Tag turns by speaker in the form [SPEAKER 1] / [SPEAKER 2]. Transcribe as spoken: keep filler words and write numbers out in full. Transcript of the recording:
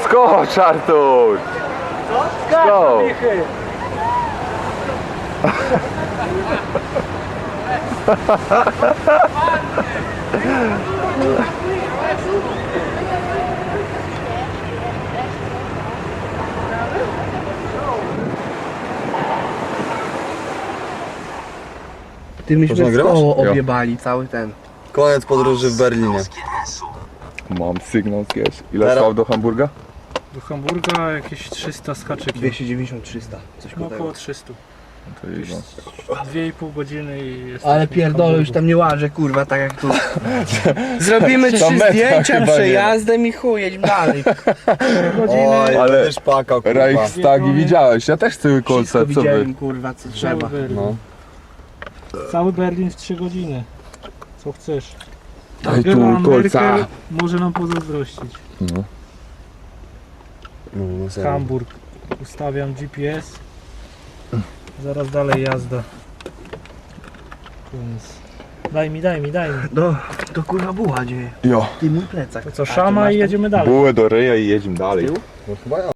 [SPEAKER 1] skocz, Artur! Skocz!
[SPEAKER 2] Ty myśmy
[SPEAKER 3] Można
[SPEAKER 2] w
[SPEAKER 3] grać?
[SPEAKER 2] koło
[SPEAKER 1] Jo.
[SPEAKER 2] objebali cały ten.
[SPEAKER 3] Koniec podróży w Berlinie.
[SPEAKER 1] Mam sygnał z Gies. Ile
[SPEAKER 3] Teraz-
[SPEAKER 1] stał do Hamburga?
[SPEAKER 4] Do Hamburga jakieś trzysta z haczykiem.
[SPEAKER 2] dwieście dziewięćdziesiąt trzysta, coś
[SPEAKER 4] No,
[SPEAKER 2] koło
[SPEAKER 4] około
[SPEAKER 2] tego.
[SPEAKER 4] trzysta.
[SPEAKER 1] To jest
[SPEAKER 4] dwie i pół godziny i jesteśmy
[SPEAKER 2] Ale
[SPEAKER 4] w
[SPEAKER 2] pierdolę, już
[SPEAKER 4] Hamburgu.
[SPEAKER 2] tam nie łażę, kurwa, tak jak tu. Zrobimy
[SPEAKER 1] Tam
[SPEAKER 2] trzy
[SPEAKER 1] metra
[SPEAKER 2] zdjęcia,
[SPEAKER 1] chyba nie
[SPEAKER 2] przejazdem i chuj, jedźmy dalej.
[SPEAKER 4] Godziny,
[SPEAKER 3] Oj,
[SPEAKER 1] Ale-
[SPEAKER 3] ale też pakał, kurwa.
[SPEAKER 1] Reichstagi widziałeś, ja też cały
[SPEAKER 2] Wszystko
[SPEAKER 1] koncert, co wy?
[SPEAKER 2] widziałem, kurwa, co
[SPEAKER 4] cały
[SPEAKER 2] trzeba.
[SPEAKER 4] Berlin.
[SPEAKER 3] No.
[SPEAKER 4] Cały Berlin w trzy godziny. Co chcesz?
[SPEAKER 1] Daj
[SPEAKER 4] Angela
[SPEAKER 1] tu kolca!
[SPEAKER 4] Merkel może nam pozazdrościć.
[SPEAKER 1] No.
[SPEAKER 3] No, no serio.
[SPEAKER 4] Hamburg. Ustawiam G P S. Zaraz dalej jazda. Więc... Daj mi, daj mi, daj mi.
[SPEAKER 2] No, to kurwa buła dzieje.
[SPEAKER 1] Jo,
[SPEAKER 2] Ty mój plecak.
[SPEAKER 4] To co,
[SPEAKER 2] A, ty
[SPEAKER 4] szama
[SPEAKER 2] masz
[SPEAKER 4] i
[SPEAKER 2] tam?
[SPEAKER 4] jedziemy dalej.
[SPEAKER 1] bułę do ryja i jedziemy dalej.
[SPEAKER 3] No chyba ja.